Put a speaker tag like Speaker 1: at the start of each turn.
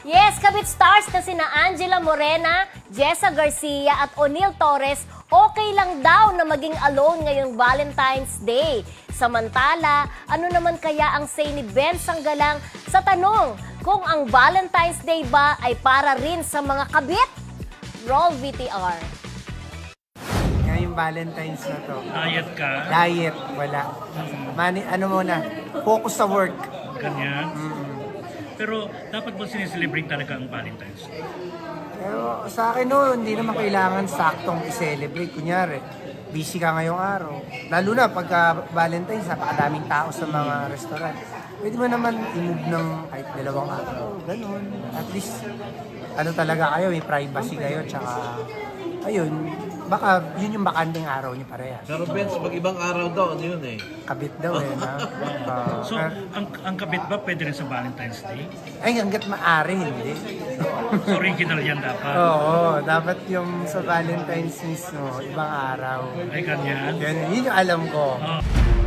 Speaker 1: Yes, kabit stars na sina Angela Morena, Jessa Garcia at O'Neal Torres, okay lang daw na maging alone ngayong Valentine's Day. Samantala, ano naman kaya ang say ni Ben Sanggalang sa tanong kung ang Valentine's Day ba ay para rin sa mga kabit? Roll VTR.
Speaker 2: Ngayong Valentine's na to.
Speaker 3: Diet ka,
Speaker 2: Diet, wala. Ano muna, focus sa work.
Speaker 3: ganyan. Pero dapat ba sineselebrate talaga ang Valentine's Day?
Speaker 2: Pero sa akin no, hindi naman kailangan saktong i-celebrate. Kunyari, busy ka ngayong araw. Lalo na pagka Valentine's, napakadaming tao sa mga restaurant. Pwede mo naman i-move ng kahit 2 araw, ganun. At least, ano talaga kayo, may privacy kayo, tsaka, ayun, baka yun yung bakanding araw niyo parehas.
Speaker 4: Pero Benz, pag ibang araw daw, ano yun eh?
Speaker 2: Kabit daw eh, na.
Speaker 3: So, ang kabit ba pwede rin sa Valentine's Day?
Speaker 2: Ay, hanggat maaari, hindi.
Speaker 3: So, original yan dapat.
Speaker 2: Oo, dapat yung sa Valentine's mismo, ibang araw.
Speaker 3: Ay, ganyan.
Speaker 2: Yun yung alam ko.
Speaker 3: Oh.